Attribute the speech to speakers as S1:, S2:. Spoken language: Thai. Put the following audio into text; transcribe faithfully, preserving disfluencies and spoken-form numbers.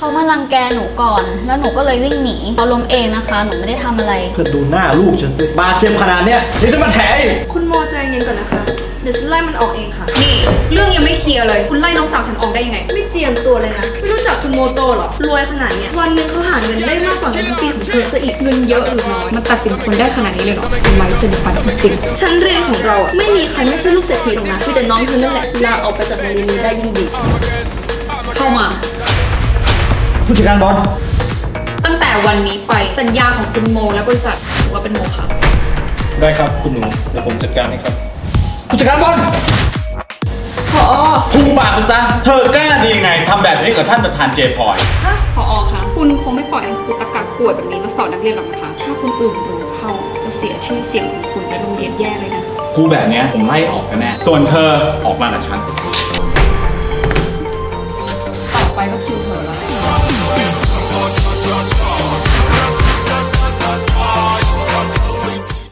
S1: เขามารังแกหนูก่อนแล้วหนูก็เลยวิ่งหนีเขาล้มเองนะคะหนูไม่ได้ทำอะไร
S2: เพื่อดูหน้าลูกฉันสิบาดเจ็บขนาดเนี้ยยังจะมาแถอีก
S3: คุณโมใจเย็นก่อนนะคะเดี๋ยวฉันไล่มันออกเองค่ะ
S4: นี่เรื่องยังไม่เคลียร์เลยคุณไล่น้องสาวฉันออกได้ยังไง
S3: ไม่เจียมตัวเลยนะไม่รู้จักคุณโมโตหรอรวยขนาดเนี้ยวันหนึงเขาหาเงินได้มากกว่าเงินทั้งปีของเธอซะอีก
S4: เงินเยอะหรือน้อยมันตัดสินคนได้ขนาดนี้เลยเหรอทำไมจะมีปัญหาจริง
S3: ชั้นเรียนของเราอะไม่มีใครไม่ใช่ลูกเศรษฐีหรอกนะมีแต่น้องเธอนั่นแหละลาออกไปจากโรงเรียนนี้ได้ยิ่งดี
S4: เข้ามา
S2: ผู้จัดการบอล
S4: ตั้งแต่วันนี้ไปสัญญาของคุณโมและบริษัทถือว่าเป็นโมฆะ
S5: ได้ครับคุณหนูเดี๋ยวผมจัดการให้ครับ
S2: ผู้จัดการบอล
S4: ผอ
S5: พุ่งปากไปซะเธอกล้าดียังไงทำแบบนี้กับท่านประธานเจพอย
S4: ฮะผอคะคุณคงไม่ปล่อยให้ครูตะกักป่วยแบบนี้มาสอนนักเรียนหรอกนะคะถ้าคนอื่นรู้เข้าจะเสียชื่อเสียงของคุณและโรงเรียนแย่เลยนะ
S5: กูแบบนี้ผมไล่ออกกันแน่ส่วนเธอออกมากับฉัน